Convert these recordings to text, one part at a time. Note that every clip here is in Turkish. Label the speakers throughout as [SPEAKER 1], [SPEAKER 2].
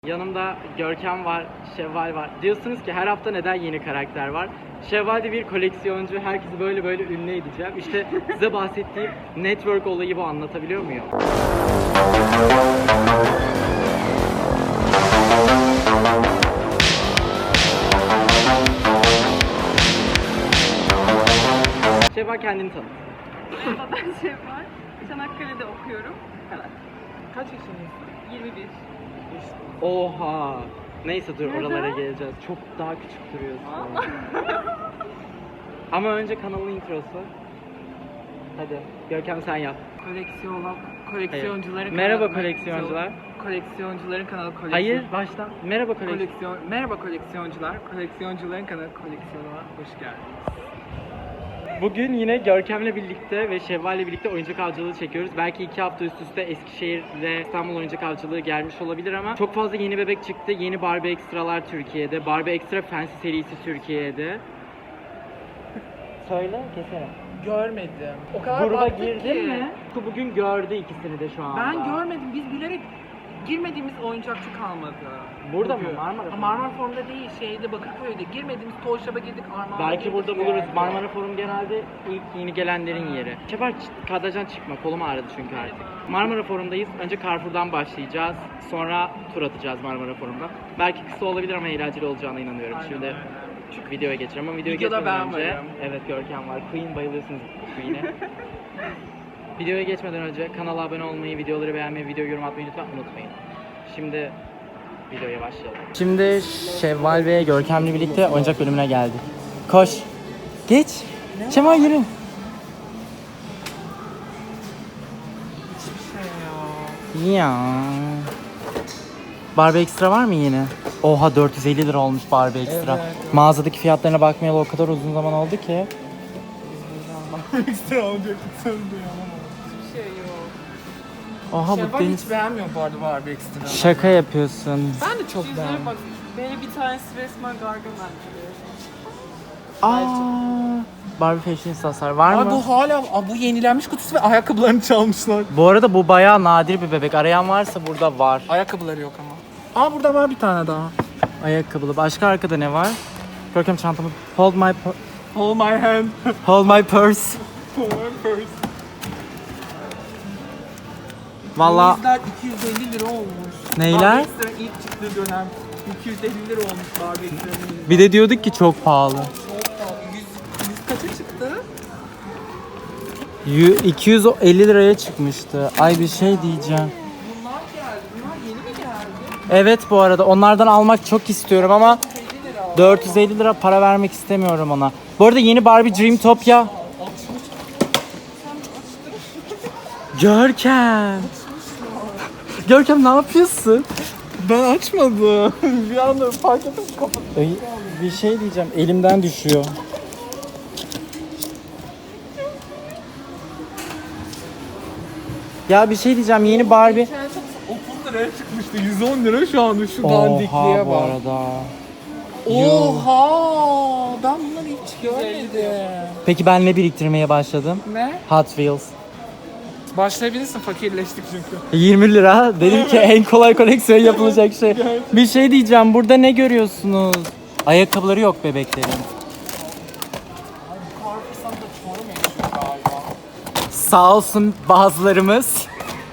[SPEAKER 1] Yanımda Görkem var, Şevval var. Diyorsunuz ki her hafta neden yeni karakter var? Şevval de bir koleksiyoncu, herkesi böyle ünlü edeceğim. İşte size bahsettiğim network olayı bu, anlatabiliyor muyum? Şevval, kendini tanıt.
[SPEAKER 2] Merhaba, ben Şevval. Çanakkale'de okuyorum. Evet.
[SPEAKER 3] Kaç yaşındasın?
[SPEAKER 2] 21.
[SPEAKER 1] Oha! Neyse dur,
[SPEAKER 2] Neden?
[SPEAKER 1] oralara geleceğiz. Çok daha küçük duruyorsun. Ama önce kanalın introsu. Hadi Görkem sen yap.
[SPEAKER 3] Koleksiyoncuların
[SPEAKER 1] Hayır. Merhaba
[SPEAKER 3] kanalı-
[SPEAKER 1] koleksiyoncular.
[SPEAKER 3] Koleksiyoncuların kanalı koleksiyon.
[SPEAKER 1] Hayır, baştan. Merhaba koleksiyon.
[SPEAKER 3] Merhaba koleksiyoncular. Koleksiyoncuların kanalı koleksiyonuna hoş geldiniz.
[SPEAKER 1] Bugün yine Görkem'le birlikte ve Şevval'le birlikte oyuncak avcılığı çekiyoruz. Belki 2 hafta üst üste Eskişehir ve İstanbul oyuncak avcılığı gelmiş olabilir ama çok fazla yeni bebek çıktı. Yeni Barbie Extra'lar Türkiye'de. Barbie Extra Fancy serisi Türkiye'de. Söyle, keserim.
[SPEAKER 3] Görmedim. O kadar
[SPEAKER 1] Gruba
[SPEAKER 3] baktık
[SPEAKER 1] girdin
[SPEAKER 3] ki.
[SPEAKER 1] mi? Bugün gördü ikisini de şu anda.
[SPEAKER 3] Ben görmedim. Biz bilerek girmediğimiz oyuncakçı kalmadı.
[SPEAKER 1] Burada mı?
[SPEAKER 3] Bugün.
[SPEAKER 1] Marmara
[SPEAKER 3] Ha,
[SPEAKER 1] Forum.
[SPEAKER 3] Marmara Forum'da değil, şeyde Bakırköy'de. Girmediğimiz Toy Shop'a girdik. Armağan'a
[SPEAKER 1] Belki
[SPEAKER 3] girdik
[SPEAKER 1] burada
[SPEAKER 3] bir
[SPEAKER 1] buluruz.
[SPEAKER 3] yerde.
[SPEAKER 1] Marmara Forum genelde ilk yeni gelenlerin yeri. Şevval, kadrajdan çıkma. Kolum ağrıdı çünkü artık. Marmara Forum'dayız. Önce Carrefour'dan başlayacağız. Sonra tur atacağız Marmara Forum'da. Belki kısa olabilir ama eğlenceli olacağına inanıyorum.
[SPEAKER 3] Aynen
[SPEAKER 1] Şimdi
[SPEAKER 3] öyle.
[SPEAKER 1] videoya geçelim ama videoya
[SPEAKER 3] Videoda
[SPEAKER 1] geçmeden
[SPEAKER 3] ben
[SPEAKER 1] önce...
[SPEAKER 3] varım.
[SPEAKER 1] Evet, Görkem var. Queen, bayılıyorsunuz Queen'e. Videoya geçmeden önce kanala abone olmayı, videoları beğenmeyi, video yorum atmayı lütfen unutmayın. Şimdi videoya başlayalım. Şimdi Şevval ve Görkem'le birlikte oyuncak bölümüne geldik. Koş. Geç. Şevval yürü. Ya. Barbie Extra var mı yine? Oha, 450 lira olmuş Barbie Extra.
[SPEAKER 3] Evet.
[SPEAKER 1] Mağazadaki fiyatlarına bakmayalı o kadar uzun zaman oldu ki.
[SPEAKER 3] Ekstra olacak sanırım. Hiçbir şey yok.
[SPEAKER 1] Oha, bu
[SPEAKER 3] Şevval
[SPEAKER 1] deniz...
[SPEAKER 3] hiç beğenmiyor bu arada Barbie Extra.
[SPEAKER 1] Şaka yapıyorsun.
[SPEAKER 3] Ben de çok
[SPEAKER 2] Yüzlere
[SPEAKER 3] beğendim.
[SPEAKER 2] bak. Böyle bir tanesi resmen Gargamel gibi.
[SPEAKER 1] Aa, Barbie Fashion Sasar var
[SPEAKER 3] Abi
[SPEAKER 1] mı?
[SPEAKER 3] bu hala bu yenilenmiş kutusu ve ayakkabılarını çalmışlar.
[SPEAKER 1] Bu arada bu bayağı nadir bir bebek. Arayan varsa burada var.
[SPEAKER 3] Ayakkabıları yok ama. Aa burada var bir tane daha.
[SPEAKER 1] Ayakkabılı. Başka arkada ne var? Görkem çantamı. Hold my
[SPEAKER 3] Hold my hand.
[SPEAKER 1] hold my purse.
[SPEAKER 3] Hold my purse.
[SPEAKER 1] Valla
[SPEAKER 3] Bizler 250 lira olmuş.
[SPEAKER 1] Neyler?
[SPEAKER 3] Barbie Extra ilk çıktığı dönem 250 lira olmuş Barbie Extra'nın.
[SPEAKER 1] bir de diyorduk ki çok pahalı.
[SPEAKER 3] Çok pahalı. 100 kaça çıktı?
[SPEAKER 1] 250 liraya çıkmıştı. Ay, bir şey diyeceğim.
[SPEAKER 3] Bunlar geldi. Bunlar yeni mi geldi?
[SPEAKER 1] Evet, bu arada onlardan almak çok istiyorum ama
[SPEAKER 3] 50 lira.
[SPEAKER 1] 450 lira para vermek istemiyorum ona. Bu arada yeni Barbie Dreamtopia. Görkem. Görkem, ne yapıyorsun?
[SPEAKER 3] Ben açmadım. bir anda fark ettim kapattım.
[SPEAKER 1] Ay, bir şey diyeceğim. Elimden düşüyor. Ya bir şey diyeceğim. Yeni Barbie.
[SPEAKER 3] 30 liraya çıkmıştı. 110 lira şu an şu
[SPEAKER 1] Oha,
[SPEAKER 3] dandikliğe
[SPEAKER 1] bu
[SPEAKER 3] bak.
[SPEAKER 1] arada.
[SPEAKER 3] Oha! Ben bunları hiç görmedim.
[SPEAKER 1] Peki ben ne biriktirmeye başladım?
[SPEAKER 3] Ne?
[SPEAKER 1] Hot Wheels.
[SPEAKER 3] Başlayabilirsin, fakirleştik çünkü.
[SPEAKER 1] 20 lira. Dedim ki en kolay koleksiyon yapılacak şey. Bir şey diyeceğim. Burada ne görüyorsunuz? Ayakkabıları yok bebeklerin.
[SPEAKER 3] Karpuzdan da Çorum yaşıyor galiba.
[SPEAKER 1] Sağ olsun bazılarımız.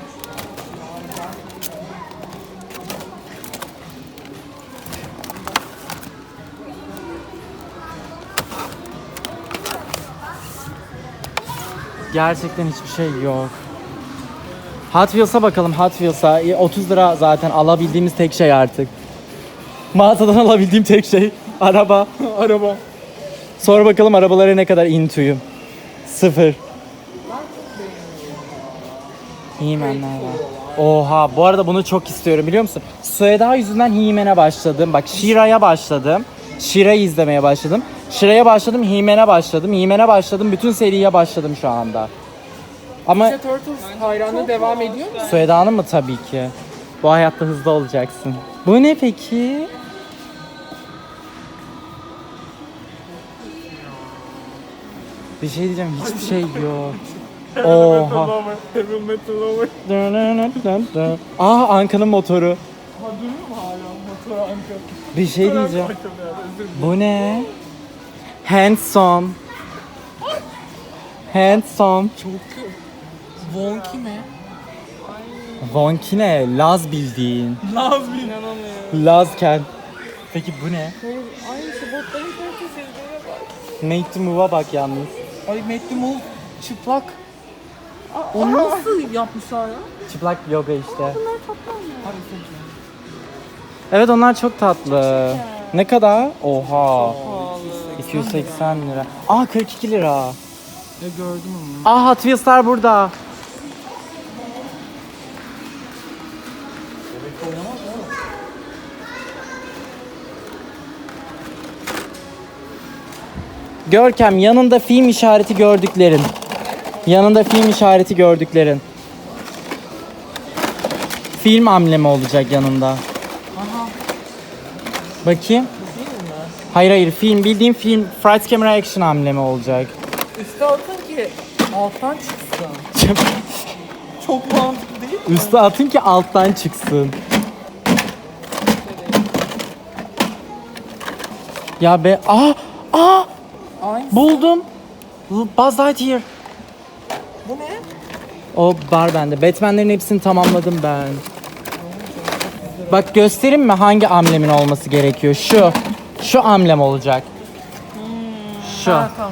[SPEAKER 1] Gerçekten hiçbir şey yok. Hot Wheels'a bakalım, Hot Wheels'a. 30 lira zaten alabildiğimiz tek şey artık. Mağazadan alabildiğim tek şey araba.
[SPEAKER 3] Araba.
[SPEAKER 1] Sonra bakalım arabalara ne kadar into'yum. 0. He-Man'ler var. Oha, bu arada bunu çok istiyorum, biliyor musun? Sueda yüzünden He-Man'e başladım. Bak, She-Ra'ya başladım. She-Ra'yı izlemeye başladım. She-Ra'ya başladım, He-Man'e başladım. He-Man'e başladım, bütün seriye başladım şu anda. Ama
[SPEAKER 3] Ninja Turtles hayranlığı devam ediyor mu?
[SPEAKER 1] Sueda'nın mı? Tabii ki. Bu hayatta hızlı olacaksın. Bu ne peki? Bir şey diyeceğim, hiçbir şey yok. Oha.
[SPEAKER 3] Heavy Metal Lover.
[SPEAKER 1] Aa, Anka'nın motoru.
[SPEAKER 3] Ha duruyor mu hala motor anka?
[SPEAKER 1] Bir şey diyeceğim.
[SPEAKER 3] Özür dilerim.
[SPEAKER 1] Bu ne? Handsome. Handsome.
[SPEAKER 3] Çok Wonky mi?
[SPEAKER 1] Wonky ne? Laz bildiğin.
[SPEAKER 3] Laz bir inanamıyorum.
[SPEAKER 1] Lazken. Peki bu ne?
[SPEAKER 3] Ay şu botların kalitesi izlere bak.
[SPEAKER 1] Make to move'a bak yalnız.
[SPEAKER 3] Ay Make the Move çıplak. Onu nasıl yapmışlar ya?
[SPEAKER 1] Çıplak yoga işte.
[SPEAKER 2] Bunlar toplam mı?
[SPEAKER 3] Hadi sen.
[SPEAKER 1] Evet onlar çok tatlı. Ne kadar? Oha.
[SPEAKER 3] Pahalı.
[SPEAKER 1] 280 lira. Aa 42 lira.
[SPEAKER 3] Ya gördüm onu.
[SPEAKER 1] Aa Hot Wheels'lar burada. Görkem yanında film işareti gördüklerin. Yanında film işareti gördüklerin. Film amblemi olacak yanında.
[SPEAKER 3] Aha.
[SPEAKER 1] Bakayım.
[SPEAKER 3] Bu değil mi?
[SPEAKER 1] Hayır film bildiğim film Fright Camera Action amblemi olacak.
[SPEAKER 3] Üste atın ki alttan çıksın. Çok mantıklı değil mi?
[SPEAKER 1] Üste atın ki alttan çıksın. Ya be
[SPEAKER 3] Aynı.
[SPEAKER 1] buldum. Buzz Lightyear.
[SPEAKER 3] Bu ne?
[SPEAKER 1] O var bende. Batman'lerin hepsini tamamladım ben. Bak göstereyim mi hangi amblemin olması gerekiyor? Şu amblem olacak. Şu.
[SPEAKER 3] Ha tamam.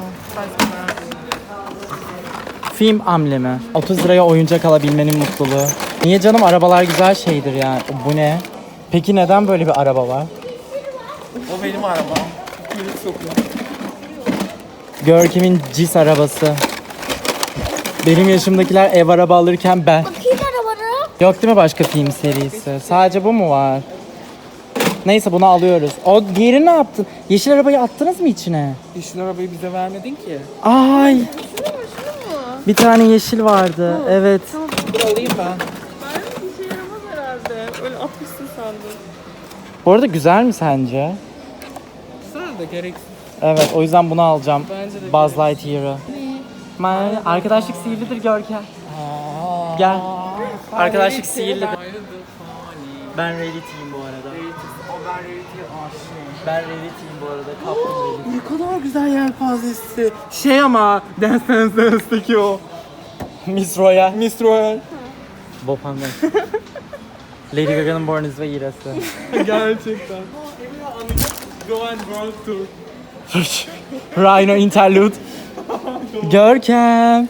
[SPEAKER 1] Film amblemi. 30 liraya oyuncak alabilmenin mutluluğu. Niye canım arabalar güzel şeydir yani. Bu ne? Peki neden böyle bir araba var?
[SPEAKER 3] O benim arabam. Kuyruk sokuyor.
[SPEAKER 1] Görkem'in CIS arabası. Benim yaşımdakiler ev araba alırken ben.
[SPEAKER 2] Bakayım arabana.
[SPEAKER 1] Yok değil mi başka film serisi? Sadece bu mu var? Neyse bunu alıyoruz. O diğeri ne yaptın? Yeşil arabayı attınız mı içine?
[SPEAKER 3] Yeşil arabayı bize vermedin ki.
[SPEAKER 1] Ay. Bir tane yeşil vardı. Evet.
[SPEAKER 3] Dur alayım ben.
[SPEAKER 2] Ben bir şey yaramaz herhalde. Öyle atmışsın sandım.
[SPEAKER 1] Bu arada güzel mi sence?
[SPEAKER 3] Güzel de gereksiz.
[SPEAKER 1] Evet o yüzden bunu alacağım.
[SPEAKER 3] Bence de
[SPEAKER 1] Buzz Lightyear'ı. Arkadaşlık sihirlidir Görkem. Gel. Arkadaşlık sihirlidir. Ben Rarity'yim bu arada.
[SPEAKER 3] O ben Rarity'ye aşığım.
[SPEAKER 1] Ben Rarity'yim bu arada. Kaptım Rarity.
[SPEAKER 3] Ne kadar güzel yelpazesi. Şey ama Dance Dance Dance'daki o.
[SPEAKER 1] Miss Royal.
[SPEAKER 3] Miss Royal.
[SPEAKER 1] Bob Hangen. Lady Gaga'nın Born This Way irası.
[SPEAKER 3] Gerçekten. Go and World Tour.
[SPEAKER 1] Rhino Interlude. Görkem.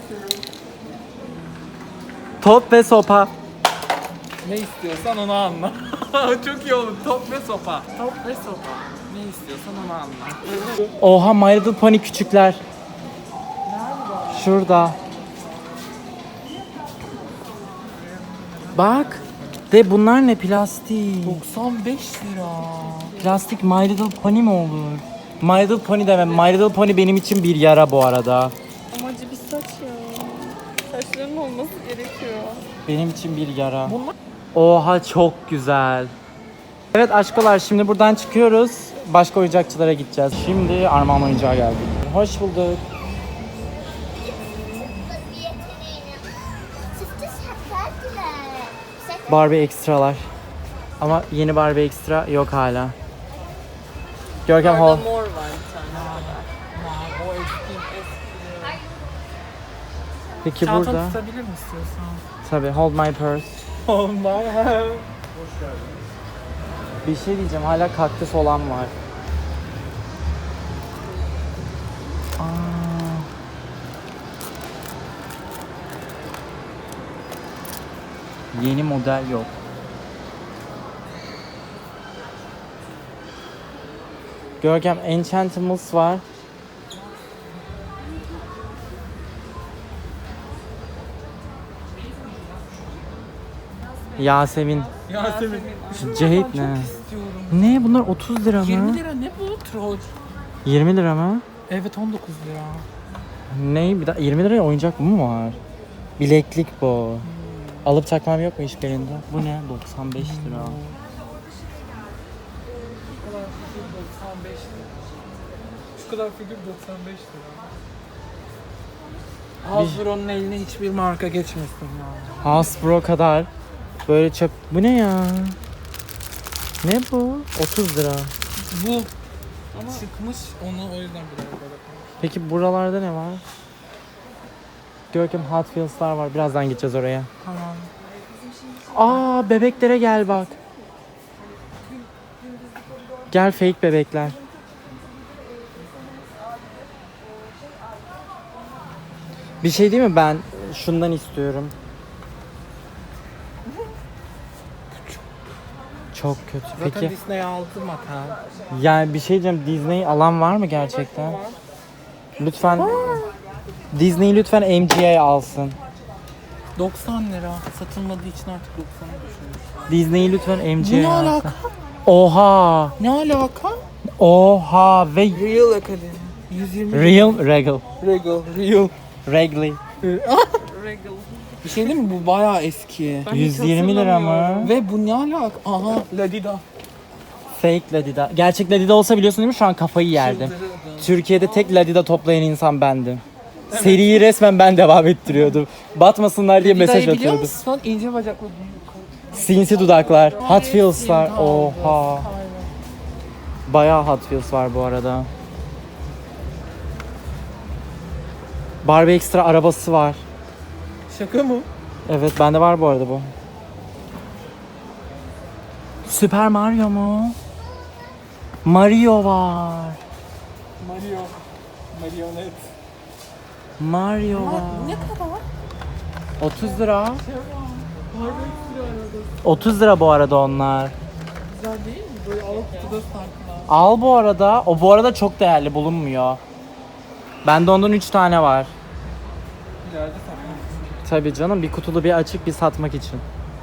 [SPEAKER 1] Top ve sopa.
[SPEAKER 3] Ne istiyorsan onu anla. Çok iyi oldu. Top ve sopa. Top ve sopa. Ne istiyorsan onu anla.
[SPEAKER 1] Oha My Little Pony küçükler. Şurada. Bak. De bunlar ne plastik?
[SPEAKER 3] 95 lira.
[SPEAKER 1] Plastik My Little Pony mi olur? My Little Pony demem. My Little Pony benim için bir yara bu arada.
[SPEAKER 2] Amacı bir saç ya. Saçların olması gerekiyor.
[SPEAKER 1] Benim için bir yara.
[SPEAKER 3] Bunlar-
[SPEAKER 1] Oha çok güzel. Evet aşkolar şimdi buradan çıkıyoruz. Başka oyuncakçılara gideceğiz. Şimdi Armağan oyuncağa geldik. Hoş bulduk. Barbie ekstralar. Ama yeni Barbie ekstra yok hala. Görkem Hall.
[SPEAKER 2] Mor var bir tane.
[SPEAKER 3] O eski.
[SPEAKER 1] Peki
[SPEAKER 3] Çantanı
[SPEAKER 1] burada.
[SPEAKER 3] tutabilir mi istiyorsan?
[SPEAKER 1] Tabii hold my purse.
[SPEAKER 3] Oh my.
[SPEAKER 1] Bir şey diyeceğim hala kaktüs olan var. Aa. Yeni model yok. Görkem Enchantimals var. Yasemin.
[SPEAKER 3] Yasemin.
[SPEAKER 1] Cahit ne?
[SPEAKER 3] Çok istiyorum.
[SPEAKER 1] Ne bunlar 30 lira mı?
[SPEAKER 3] 20 lira ne bu troll?
[SPEAKER 1] 20 lira mı?
[SPEAKER 3] Evet 19 lira.
[SPEAKER 1] Ne? Bir daha 20 liraya oyuncak mı var? Bileklik bu. Alıp takmam yok mu hiçbirinde? Bu ne? 95 lira.
[SPEAKER 3] Şu kadar figür 95 lira. Hasbro'nun eline hiçbir marka geçmesin ya.
[SPEAKER 1] Hasbro kadar böyle çöp. Bu ne ya? Ne bu? 30 lira.
[SPEAKER 3] Bu çıkmış onu o yüzden biraz böyle.
[SPEAKER 1] Peki buralarda ne var? Görkem Hot Wheels'lar var. Birazdan gideceğiz oraya.
[SPEAKER 3] Tamam.
[SPEAKER 1] Aa, bebeklere gel bak. Gel, fake bebekler. Bir şey değil mi, ben şundan istiyorum. Çok kötü.
[SPEAKER 3] Zaten
[SPEAKER 1] Peki
[SPEAKER 3] Disney aldı makas.
[SPEAKER 1] yani bir şey diyeceğim, Disney alan var mı gerçekten? Lütfen Disney lütfen MGA alsın.
[SPEAKER 3] 90 lira. Satılmadığı için artık 90'a düşürmüş.
[SPEAKER 1] Disney lütfen
[SPEAKER 3] Ne
[SPEAKER 1] MGA alsın.
[SPEAKER 3] alaka?
[SPEAKER 1] Oha.
[SPEAKER 3] Ne alaka?
[SPEAKER 1] Oha ve
[SPEAKER 3] Real Academy. 120
[SPEAKER 1] Real Regal.
[SPEAKER 3] Regal. Real.
[SPEAKER 1] Regli.
[SPEAKER 2] Regal.
[SPEAKER 3] Bir şey değil mi? Bu bayağı eski.
[SPEAKER 2] Ben hiç
[SPEAKER 1] 120 lira mı?
[SPEAKER 2] hatırlamıyorum.
[SPEAKER 3] Ve bu ne alaka? Aha. Ladida.
[SPEAKER 1] Fake Ladida. Gerçek Ladida olsa biliyorsun değil mi? Şu an kafayı yerdim. Türkiye'de tek Ladida toplayan insan bendim. Seriyi resmen ben devam ettiriyordum. Batmasınlar diye mesaj
[SPEAKER 3] biliyor
[SPEAKER 1] atıyordum.
[SPEAKER 3] musun? İnce bacaklı.
[SPEAKER 1] Sinsi dudaklar, Hot Wheels'lar. Oha. Bayağı Hot Wheels var bu arada. Barbie Extra arabası var.
[SPEAKER 3] Şaka mı?
[SPEAKER 1] Evet, bende var bu arada bu. Super Mario mu? Mario var.
[SPEAKER 3] Mario. Marionet.
[SPEAKER 1] Mario var.
[SPEAKER 3] Ne kadar?
[SPEAKER 1] 30 lira. 30 lira bu arada onlar.
[SPEAKER 3] Güzel değil mi? Böyle alıp kutuda sakla.
[SPEAKER 1] Al bu arada. O bu arada çok değerli, bulunmuyor. Bende ondan 3 tane var.
[SPEAKER 3] İleride sakla.
[SPEAKER 1] Tabii canım, bir kutulu bir açık bir satmak için.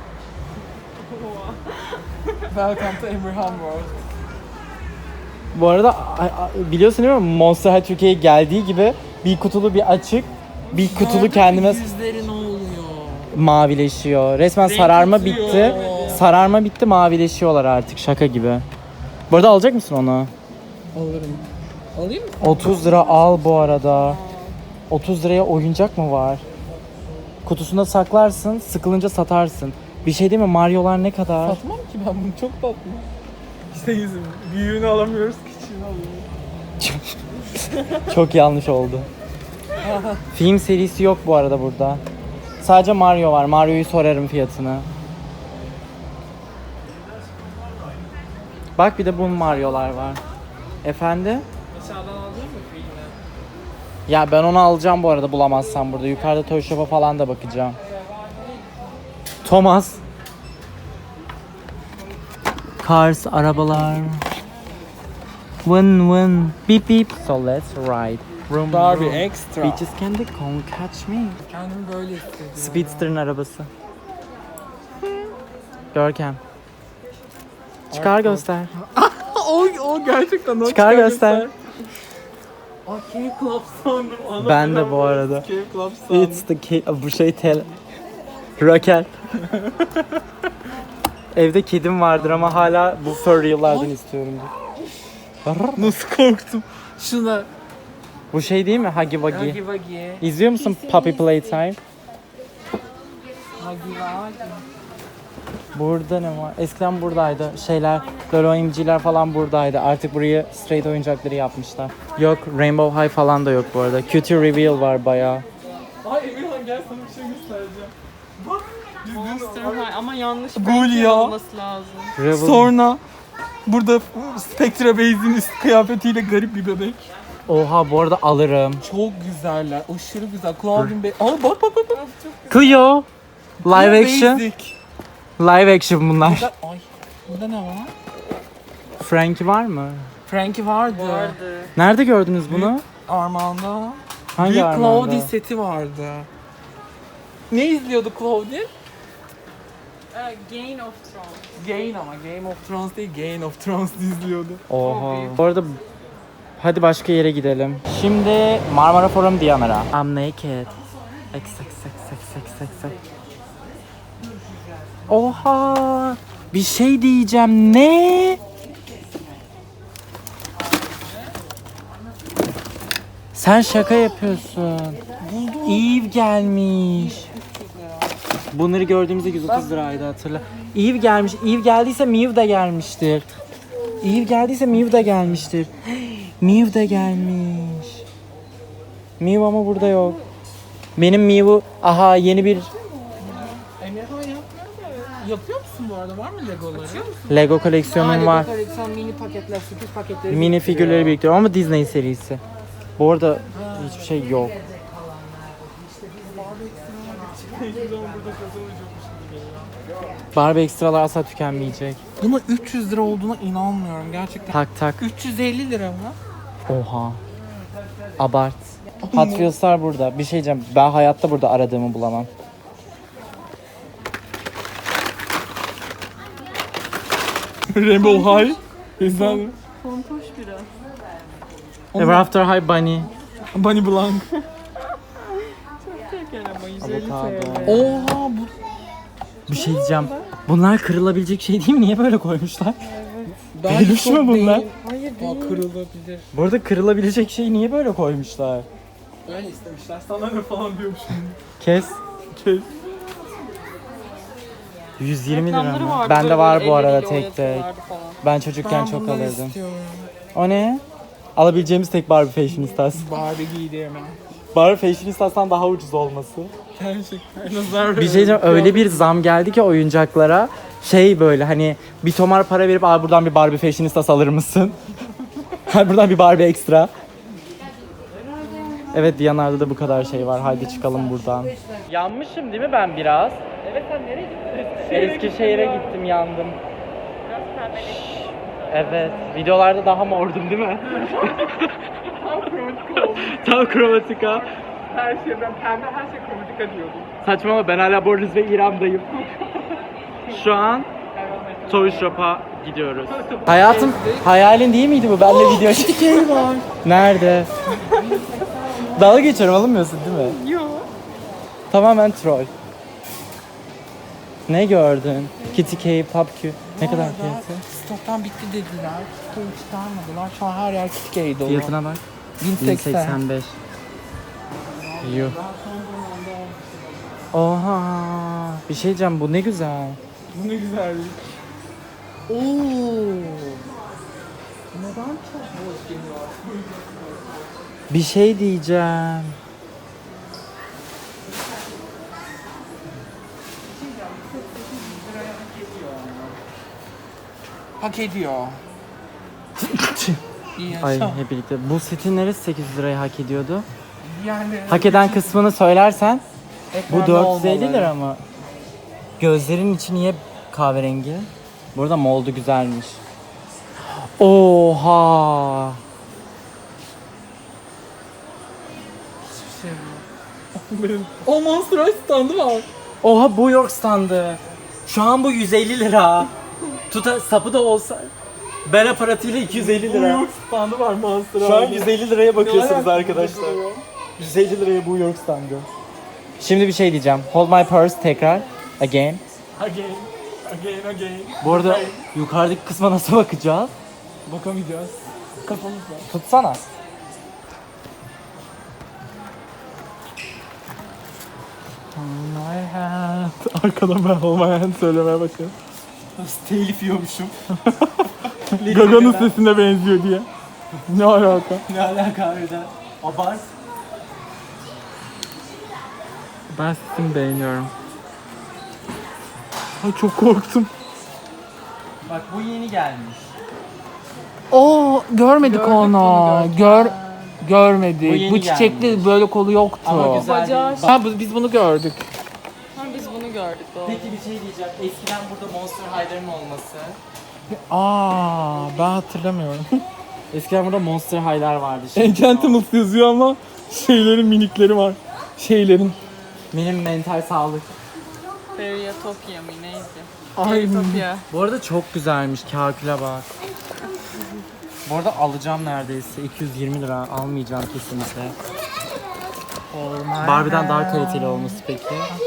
[SPEAKER 3] Welcome to Abraham World.
[SPEAKER 1] Bu arada biliyorsun değil mi? Monster High Türkiye'ye geldiği gibi bir kutulu bir açık, bir kutulu kendime
[SPEAKER 3] Yüzleri ne oluyor?
[SPEAKER 1] mavileşiyor. Resmen
[SPEAKER 3] Renk
[SPEAKER 1] sararma
[SPEAKER 3] atıyor.
[SPEAKER 1] bitti. Sararma bitti, mavileşiyorlar artık, şaka gibi. Bu arada alacak mısın onu?
[SPEAKER 3] Alırım. Alayım mı?
[SPEAKER 1] 30 lira al bu arada. 30 liraya oyuncak mı var? Kutusunda saklarsın, sıkılınca satarsın. Bir şey değil mi? Mario'lar ne kadar?
[SPEAKER 3] Satmam ki ben bunu, çok tatlı. İşte yüzüm. Büyüğünü alamıyoruz, küçüğünü alıyoruz.
[SPEAKER 1] Çok yanlış oldu. Film serisi yok bu arada burada. Sadece Mario var. Mario'yu sorarım fiyatını. Bak, bir de bu Mario'lar var. Efendim?
[SPEAKER 3] Aşağıdan alacak mı filmi?
[SPEAKER 1] Ya ben onu alacağım bu arada, bulamazsam burada. Yukarıda Toy Shop'a falan da bakacağım. Thomas. Cars, arabalar. Win win. Beep beep. So let's ride. Vroom,
[SPEAKER 3] Barbie
[SPEAKER 1] vroom.
[SPEAKER 3] Extra.
[SPEAKER 1] Bitches can they come catch me.
[SPEAKER 3] Kendimi böyle hissediyorum.
[SPEAKER 1] Speedster'ın arabası. Görkem. Çıkar göster.
[SPEAKER 3] O gerçekten o.
[SPEAKER 1] Çıkar göster.
[SPEAKER 3] Aa, Cave Club sandım. Ana
[SPEAKER 1] Ben de
[SPEAKER 3] benim
[SPEAKER 1] bu arada.
[SPEAKER 3] Cave Club sandım.
[SPEAKER 1] It's the bu şey Raquel. Evde kedim vardır ama hala bu furry'lardan istiyorumdur.
[SPEAKER 3] Nasıl korktum. Şuna.
[SPEAKER 1] Bu şey değil mi? Huggy Wuggy.
[SPEAKER 3] Huggy Wuggy.
[SPEAKER 1] İzliyor musun Puppy Playtime?
[SPEAKER 3] Huggy Wuggy.
[SPEAKER 1] Burada ne var? Eskiden buradaydı. Şeyler, böyle oyuncılar falan buradaydı. Artık burayı straight oyuncakları yapmışlar. Yok, Rainbow High falan da yok bu arada. Cutie Reveal var bayağı.
[SPEAKER 3] Ay Emirhan, gel sana bir şey göstereceğim. Bak.
[SPEAKER 2] Monster High ama yanlış
[SPEAKER 3] Gul
[SPEAKER 2] belki
[SPEAKER 3] ya.
[SPEAKER 2] olması lazım.
[SPEAKER 1] Revel.
[SPEAKER 3] Sonra burada Spectra Base'in üst kıyafetiyle garip bir bebek.
[SPEAKER 1] Oha, bu arada alırım.
[SPEAKER 3] Çok güzeller. Aşırı güzel. Claudine Bey. Aa bak bak bak. bak.
[SPEAKER 1] Cleo. Live action.
[SPEAKER 3] Basic.
[SPEAKER 1] Live action bunlar.
[SPEAKER 3] Ay. Burada ne var?
[SPEAKER 1] Frankie var mı?
[SPEAKER 3] Frankie vardı.
[SPEAKER 2] Vardı.
[SPEAKER 1] Nerede gördünüz bunu?
[SPEAKER 3] Armağan'da.
[SPEAKER 1] Hangi
[SPEAKER 3] Büyük
[SPEAKER 1] Armağan'da?
[SPEAKER 3] Claudie seti vardı. Ne izliyordu Claudie?
[SPEAKER 2] Game of Thrones.
[SPEAKER 3] Game ama Game of Thrones değil, Game of Thrones izliyordu.
[SPEAKER 1] Oha. Bu arada hadi başka yere gidelim. Şimdi Marmara Forum Diyanara. I'm naked. X. Oha. Bir şey diyeceğim. Ne? Sen şaka yapıyorsun. Eve gelmiş. Bunları gördüğümüzde 130 liraydı, hatırla. Eve gelmiş. Eve geldiyse Mew de gelmiştir. Eve geldiyse Mew de gelmiştir. Mew de gelmiş. Mew ama burada yok. Benim Mew'u aha yeni bir
[SPEAKER 3] Emirhan yapmıyor da. Yapıyor musun bu arada? Var mı Legoları?
[SPEAKER 1] Lego koleksiyonum var.
[SPEAKER 3] Koleksiyon mini paketler, sürpriz paketleri.
[SPEAKER 1] Mini figürleri biriktiriyorum ama Disney serisi. Bu arada hiçbir şey yok. Barbie ekstralar asla tükenmeyecek.
[SPEAKER 3] Buna 300 lira olduğuna inanmıyorum gerçekten.
[SPEAKER 1] Tak tak.
[SPEAKER 3] 350 lira mı?
[SPEAKER 1] Oha. Abart. Hot Wheels'lar burada. Bir şey diyeceğim. Ben hayatta burada aradığımı bulamam.
[SPEAKER 3] Rainbow High. Güzel mi?
[SPEAKER 2] Fontoş biraz.
[SPEAKER 1] Ever After High Bunny.
[SPEAKER 3] Bunny Blanc.
[SPEAKER 2] Şeker ama 150
[SPEAKER 1] Avokado.
[SPEAKER 2] TL.
[SPEAKER 3] Oha bu.
[SPEAKER 1] Bir şey diyeceğim. Bunlar kırılabilecek şey değil mi? Niye böyle koymuşlar? Peluş mu bunlar?
[SPEAKER 2] Hayır
[SPEAKER 3] Aa,
[SPEAKER 2] değil.
[SPEAKER 3] kırılabilir.
[SPEAKER 1] Bu arada kırılabilecek şeyi niye böyle koymuşlar?
[SPEAKER 3] Öyle istemişler. Sana ne falan diyorum şimdi.
[SPEAKER 1] Kes.
[SPEAKER 3] Kes.
[SPEAKER 1] 120 lira
[SPEAKER 2] Reklamları
[SPEAKER 1] mı?
[SPEAKER 2] vardı,
[SPEAKER 1] Bende
[SPEAKER 2] böyle
[SPEAKER 1] var bu arada
[SPEAKER 2] elleriyle
[SPEAKER 1] tek tek.
[SPEAKER 2] oynatıyorlardı falan.
[SPEAKER 1] Ben çocukken
[SPEAKER 3] Ben
[SPEAKER 1] çok
[SPEAKER 3] bunları
[SPEAKER 1] alırdım.
[SPEAKER 3] istiyorum.
[SPEAKER 1] O ne? Alabileceğimiz tek Barbie Fashionistas.
[SPEAKER 3] Barbie giydirmem.
[SPEAKER 1] Barbie Fashionistas'tan daha ucuz olması.
[SPEAKER 3] Gerçekten. Nazar
[SPEAKER 1] Bir şey diyeceğim, öyle bir zam geldi ki oyuncaklara. Şey böyle hani bir tomar para verip abi buradan bir Barbie Fashionistas alır mısın? Hayır buradan bir Barbie ekstra. Evet Diyanar'da da bu kadar şey var. Haydi çıkalım buradan. Yanmışım değil mi ben biraz?
[SPEAKER 3] Evet sen nereye gittin?
[SPEAKER 1] Eskişehir'e gittim yandım. Evet. Videolarda daha mordum değil mi?
[SPEAKER 3] Tam kromatik oldu.
[SPEAKER 1] Tam kromatika.
[SPEAKER 3] Her şey ben pembe her şey kromatika diyordum.
[SPEAKER 1] Saçmalama ben hala Bornuz ve İrem'dayım. Şu an Toy Shop'a gidiyoruz. Hayatım hayalin değil miydi bu? Benle video çekiyorum.
[SPEAKER 3] var.
[SPEAKER 1] Nerede? Dalga geçiyorum alınmıyorsun değil mi?
[SPEAKER 2] Yok.
[SPEAKER 1] Tamamen troll. Ne gördün? Kitty K, PopQ. Ne kadar fiyatı?
[SPEAKER 3] Stoktan bitti dediler. Stoğu çıkarmadılar. Şu an her yer Kitty'ye dolu.
[SPEAKER 1] Fiyatına bak.
[SPEAKER 3] 1080.
[SPEAKER 1] 1085. Yuh. Oha. Bir şey diyeceğim bu ne güzel.
[SPEAKER 3] Bu ne güzellik. Oo. Neden çok boş geliyor?
[SPEAKER 1] Bir şey diyeceğim.
[SPEAKER 3] Hak ediyor. İyi
[SPEAKER 1] Ay
[SPEAKER 3] yaşa.
[SPEAKER 1] hep birlikte. Bu setin neresi 800 lirayı hak ediyordu?
[SPEAKER 3] Yani
[SPEAKER 1] Hak eden kısmını söylersen bu
[SPEAKER 3] ekranda
[SPEAKER 1] 450
[SPEAKER 3] olmaları.
[SPEAKER 1] lira mı? Gözlerin içi niye kahverengi? Burada moldu güzelmiş. Oha!
[SPEAKER 3] Hiçbir şey yok. O Monster High standı var.
[SPEAKER 1] Oha bu York standı. Şu an bu 150 lira. Sapı da olsa ben aparatıyla 250
[SPEAKER 3] Bu
[SPEAKER 1] lira.
[SPEAKER 3] York standı var Monster High.
[SPEAKER 1] Şu an 150 liraya bakıyorsunuz
[SPEAKER 3] Ne alaka
[SPEAKER 1] arkadaşlar.
[SPEAKER 3] bu?
[SPEAKER 1] 150 liraya bu York standı. Şimdi bir şey diyeceğim. Hold my purse tekrar. Again.
[SPEAKER 3] Again.
[SPEAKER 1] Bu arada yukarıdaki kısma nasıl bakacağız?
[SPEAKER 3] Bakamayacağız. Kafamızda.
[SPEAKER 1] Tutsana.
[SPEAKER 3] My hand. Arkadan ben Hold My Hand söylemeye başlıyorum.
[SPEAKER 1] Nasıl telif yiyormuşum.
[SPEAKER 3] Gaga'nın sesine benziyor diye. Ne alaka?
[SPEAKER 1] Ne alaka harbiden? Abart.
[SPEAKER 3] Ben sesini beğeniyorum. Ay çok korktum.
[SPEAKER 1] Bak bu yeni gelmiş.
[SPEAKER 3] Oo görmedik
[SPEAKER 2] Gördük
[SPEAKER 3] onu.
[SPEAKER 2] onu, gördük.
[SPEAKER 3] Görmedik. Görmedik.
[SPEAKER 1] Bu yeni
[SPEAKER 3] Bu çiçekli
[SPEAKER 1] gelmiş.
[SPEAKER 3] böyle kolu yoktu.
[SPEAKER 1] Ama güzel.
[SPEAKER 2] Bacağı
[SPEAKER 1] değil.
[SPEAKER 3] Ha biz bunu gördük.
[SPEAKER 2] Ha, biz bunu gördük doğru.
[SPEAKER 1] Peki bir şey diyeceğim. Eskiden burada Monster High'ların olması.
[SPEAKER 3] Aa ben hatırlamıyorum.
[SPEAKER 1] Eskiden burada Monster High'lar vardı. Şimdi
[SPEAKER 3] Enchantimals yazıyor ama şeylerin minikleri var. Şeylerin.
[SPEAKER 1] benim mental sağlık.
[SPEAKER 2] Feriatopia mı neydi?
[SPEAKER 3] Ay.
[SPEAKER 2] Feriatopia.
[SPEAKER 1] Bu arada çok güzelmiş. Kaküle bak. Bu arada alacağım neredeyse. 220 lira. Almayacağım kesinlikle. Barbie'den daha kaliteli olması peki.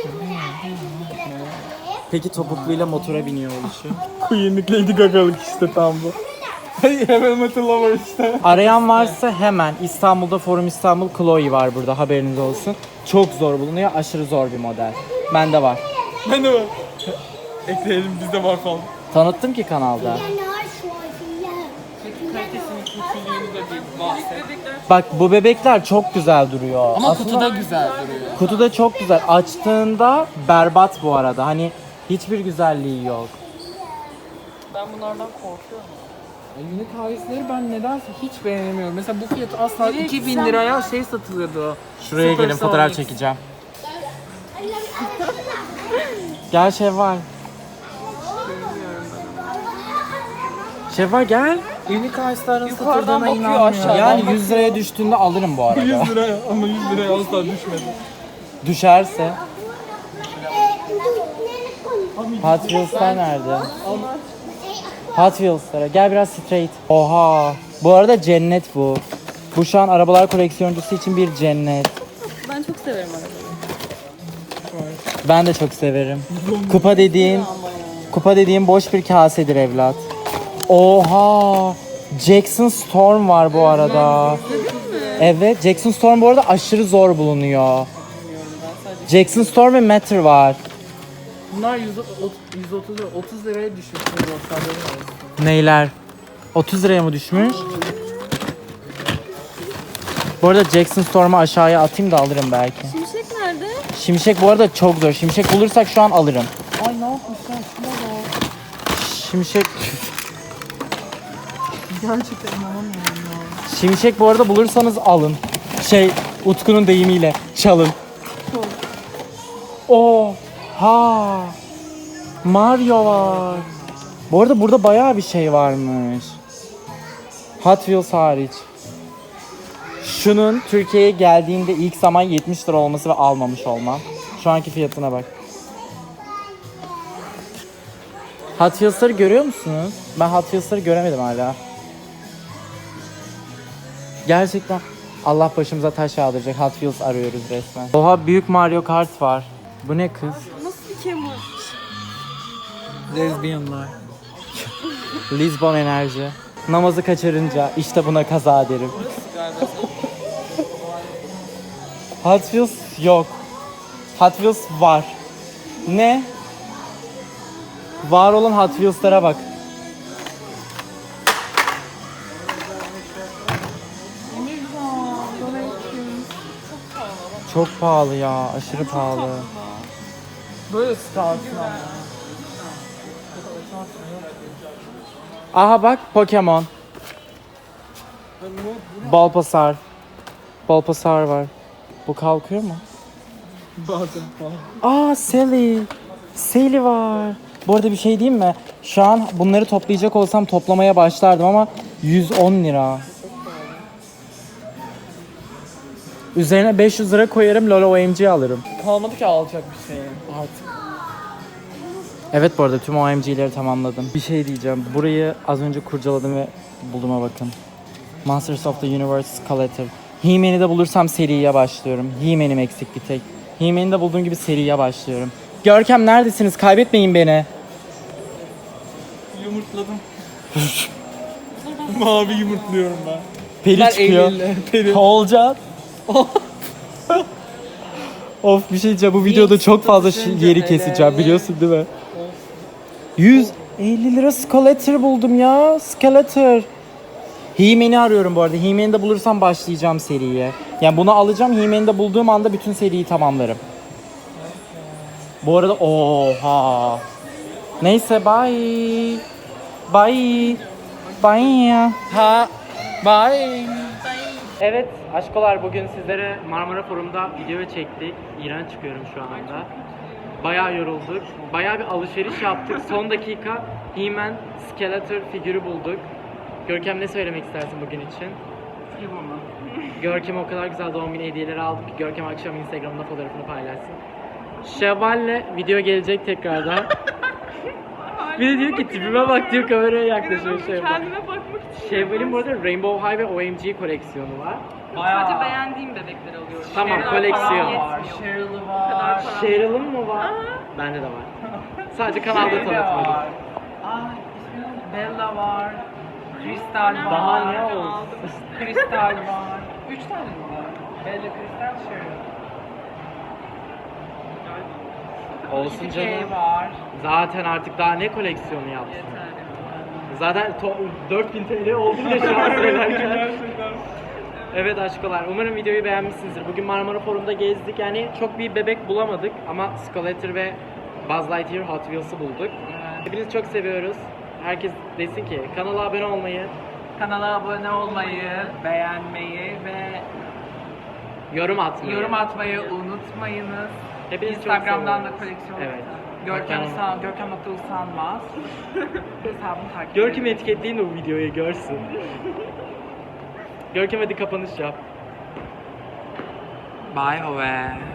[SPEAKER 1] Peki topukluyla motora biniyor oluşu.
[SPEAKER 3] Queen'lik Lady Gaga'lık işte tam bu. Heavy Metal Lover işte.
[SPEAKER 1] Arayan varsa hemen İstanbul'da Forum İstanbul Chloe var burada, haberiniz olsun. Çok zor bulunuyor, aşırı zor bir model. Bende var.
[SPEAKER 3] Ben de var. Ekleyelim bizde var falan.
[SPEAKER 1] Tanıttım ki kanalda.
[SPEAKER 3] Peki kalitesini, kötülüğünü de bir bahset.
[SPEAKER 1] Bak bu bebekler çok güzel duruyor.
[SPEAKER 3] Ama
[SPEAKER 1] Aslında
[SPEAKER 3] kutuda güzel duruyor.
[SPEAKER 1] kutuda çok güzel. Açtığında berbat bu arada. Hani hiçbir güzelliği yok.
[SPEAKER 2] Ben bunlardan korkuyorum.
[SPEAKER 3] Unique Highs'leri ben nedense hiç beğenemiyorum. Mesela bu fiyat asla
[SPEAKER 2] Direkt
[SPEAKER 3] 2000
[SPEAKER 2] sen-
[SPEAKER 3] liraya şey satılıyordu.
[SPEAKER 1] Şuraya
[SPEAKER 3] Super
[SPEAKER 1] gelin fotoğraf
[SPEAKER 3] Sonic.
[SPEAKER 1] çekeceğim. Gel Şevval. Şevval gel.
[SPEAKER 3] Unique Highs'ların
[SPEAKER 2] Yukarıdan
[SPEAKER 3] satıldığına
[SPEAKER 2] bakıyor,
[SPEAKER 3] inanmıyorum.
[SPEAKER 2] aşağıdan
[SPEAKER 1] Yani 100 liraya düştüğünde alırım bu arada.
[SPEAKER 3] 100 liraya ama 100 liraya asla düşmedi.
[SPEAKER 1] Düşerse. Hot Wheels'lar nerede? Hot Wheels'lara. Gel biraz straight. Oha. Bu arada cennet bu. Bu şu an arabalar koleksiyoncusu için bir cennet.
[SPEAKER 2] Ben çok severim arabayı.
[SPEAKER 1] Ben de çok severim. Kupa dediğin boş bir kasedir evlat. Oha! Jackson Storm var bu arada. Evet, Jackson Storm bu arada aşırı zor bulunuyor. Jackson Storm ve Matter var.
[SPEAKER 3] Bunlar 130 lira, 30 liraya düşmüş.
[SPEAKER 1] Neyler? 30 liraya mı düşmüş? Bu arada Jackson Storm'u aşağıya atayım da alırım belki.
[SPEAKER 2] Şimşek nerede?
[SPEAKER 1] Şimşek bu arada çok zor. Şimşek bulursak şu an alırım.
[SPEAKER 3] Ay ne yapmışlar? Şuna bak.
[SPEAKER 1] Şimşek
[SPEAKER 3] Gerçekten inanamıyorum ya.
[SPEAKER 1] Şimşek bu arada bulursanız alın. Utku'nun deyimiyle çalın. Oha! Mario var. Bu arada burada bayağı bir şey varmış. Hot Wheels hariç. Şunun Türkiye'ye geldiğinde ilk zaman 70 lira olması ve almamış olmam. Şu anki fiyatına bak. Hot Wheels'ları görüyor musunuz? Ben Hot Wheels'ları göremedim hala. Gerçekten Allah başımıza taş yağdıracak. Hot Wheels arıyoruz resmen. Oha büyük Mario Kart var. Bu ne kız?
[SPEAKER 2] Nasıl bir kemur?
[SPEAKER 3] Lezbiyanlar.
[SPEAKER 1] Lisbon enerji. Namazı kaçırınca işte buna kaza derim. Hot Wheels yok. Hot Wheels var. Ne? Var olan Hot Wheels'lara bak. Çok pahalı ya, aşırı pahalı.
[SPEAKER 3] Böyle startın ama.
[SPEAKER 1] Aha bak Pokemon. Bulbasaur. Bulbasaur var. Bu kalkıyor mu?
[SPEAKER 3] Bazen falan.
[SPEAKER 1] Sally. Sally var. Bu arada bir şey diyeyim mi? Şu an bunları toplayacak olsam toplamaya başlardım ama 110 lira. Üzerine 500 lira koyarım LOL OMG alırım.
[SPEAKER 3] Kalmadı ki alacak bir şey artık.
[SPEAKER 1] Evet bu arada tüm OMG'leri tamamladım. Bir şey diyeceğim. Burayı az önce kurcaladım ve bulduğuma bakın. Masters of the Universe Collector. He-Man'i de bulursam seriye başlıyorum. He-Man'im eksik bir tek. He-Man'i de bulduğum gibi seriye başlıyorum. Görkem neredesiniz? Kaybetmeyin beni.
[SPEAKER 3] Yumurtladım. Mavi yumurtluyorum ben.
[SPEAKER 1] Peri çıkıyor.
[SPEAKER 3] Peri.
[SPEAKER 1] Olacak. Of bir şey diyeceğim. Bu videoda çok fazla yeri keseceğim. Biliyorsun değil mi? 150 lira Skeletor buldum ya. Skeletor. He-Man'i arıyorum bu arada. He-Man'i de bulursam başlayacağım seriye. Yani bunu alacağım. He-Man'i de bulduğum anda bütün seriyi tamamlarım. Bu arada oha. Neyse bye. Bye. Bye.
[SPEAKER 3] Ha. Bye.
[SPEAKER 1] Evet aşkolar bugün sizlere Marmara Forum'da video çektik. İğrenç çıkıyorum şu anda. Bayağı yorulduk. Bayağı bir alışveriş yaptık. Son dakika He-Man Skeletor figürü bulduk. Görkem ne söylemek istersin bugün için? Görkem'e o kadar güzel doğum günü hediyeleri aldık ki Görkem akşam Instagram'da fotoğrafını paylaşsın. Şevval'le video gelecek tekrardan. Bir de diyor ki tipime bak diyor, kameraya yaklaşıyor Şevval.
[SPEAKER 2] Kendime bakmak için.
[SPEAKER 1] Şevval'in bu arada Rainbow High ve OMG koleksiyonu var.
[SPEAKER 2] Sadece beğendiğim bebekleri alıyorum.
[SPEAKER 1] Tamam,
[SPEAKER 2] Şeyler
[SPEAKER 1] koleksiyon.
[SPEAKER 2] falan yetmiyor.
[SPEAKER 3] Cheryl'ı
[SPEAKER 2] Bu kadar
[SPEAKER 3] var.
[SPEAKER 2] param
[SPEAKER 1] Cheryl'ın mı var? Bende de var. Sadece kanalda
[SPEAKER 3] Şey de
[SPEAKER 1] tanıtmadım.
[SPEAKER 3] var. Bella var. Kristal var.
[SPEAKER 1] Daha ne olsun?
[SPEAKER 3] Kristal var. 3 tane mi var? Bella, Kristal, Cheryl.
[SPEAKER 1] Olsun
[SPEAKER 3] Bir
[SPEAKER 1] canım.
[SPEAKER 3] şey var.
[SPEAKER 1] Zaten artık daha ne koleksiyonu yapsın?
[SPEAKER 3] Yeter.
[SPEAKER 1] Zaten 4000 TL oldu bile şu an söylerken. Evet aşkolar, umarım videoyu beğenmişsinizdir. Bugün Marmara Forum'da gezdik. Yani çok bir bebek bulamadık ama Skeletor ve Buzz Lightyear Hot Wheels'ı bulduk. Hepinizi çok seviyoruz. Herkes desin ki kanala abone olmayı,
[SPEAKER 3] Kanala abone olmayı, beğenmeyi ve
[SPEAKER 1] yorum atmayı,
[SPEAKER 3] unutmayınız.
[SPEAKER 1] Hepinizi çok
[SPEAKER 3] Instagram'dan da
[SPEAKER 1] seviyoruz.
[SPEAKER 3] koleksiyon.
[SPEAKER 1] Evet.
[SPEAKER 3] Görkem.usanmaz. Hesabını takip
[SPEAKER 1] Görkem'i etiketleyin de bu videoyu görsün. Görkem hadi kapanış yap.
[SPEAKER 3] Bye Hove.